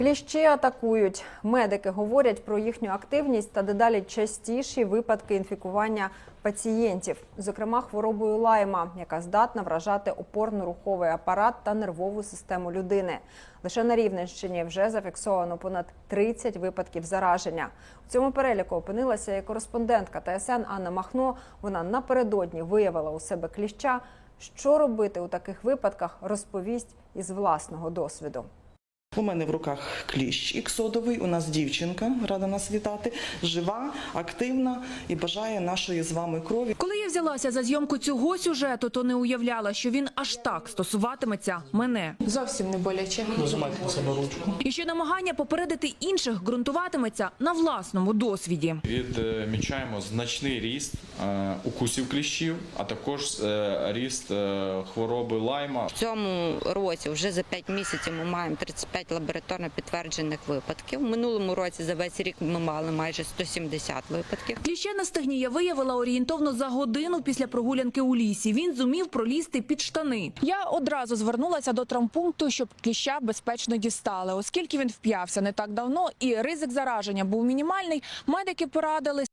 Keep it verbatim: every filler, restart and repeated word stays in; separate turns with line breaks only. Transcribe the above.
Кліщі атакують. Медики говорять про їхню активність та дедалі частіші випадки інфікування пацієнтів, зокрема хворобою Лайма, яка здатна вражати опорно-руховий апарат та нервову систему людини. Лише на Рівненщині вже зафіксовано понад тридцять випадків зараження. У цьому переліку опинилася і кореспондентка Т С Н Анна Махно. Вона напередодні виявила у себе кліща. Що робити у таких випадках, розповість із власного досвіду.
У мене в руках кліщ іксодовий, у нас дівчинка, рада нас вітати, жива, активна і бажає нашої з вами крові.
Коли я взялася за зйомку цього сюжету, то не уявляла, що він аж так стосуватиметься мене.
Зовсім не боляче.
Нажимайте на себе ручку.
І що намагання попередити інших ґрунтуватиметься на власному досвіді.
Відмічаємо значний ріст е, укусів кліщів, а також е, ріст е, хвороби Лайма.
В цьому році вже за п'ять місяців ми маємо тридцять п'ять лабораторно підтверджених випадків. В минулому році за весь рік ми мали майже сто сімдесят випадків.
Кліща на стегні я виявила орієнтовно за годину після прогулянки у лісі. Він зумів пролізти під штани. Я одразу звернулася до травмпункту, щоб кліща безпечно дістали. Оскільки він вп'явся не так давно і ризик зараження був мінімальний, медики порадили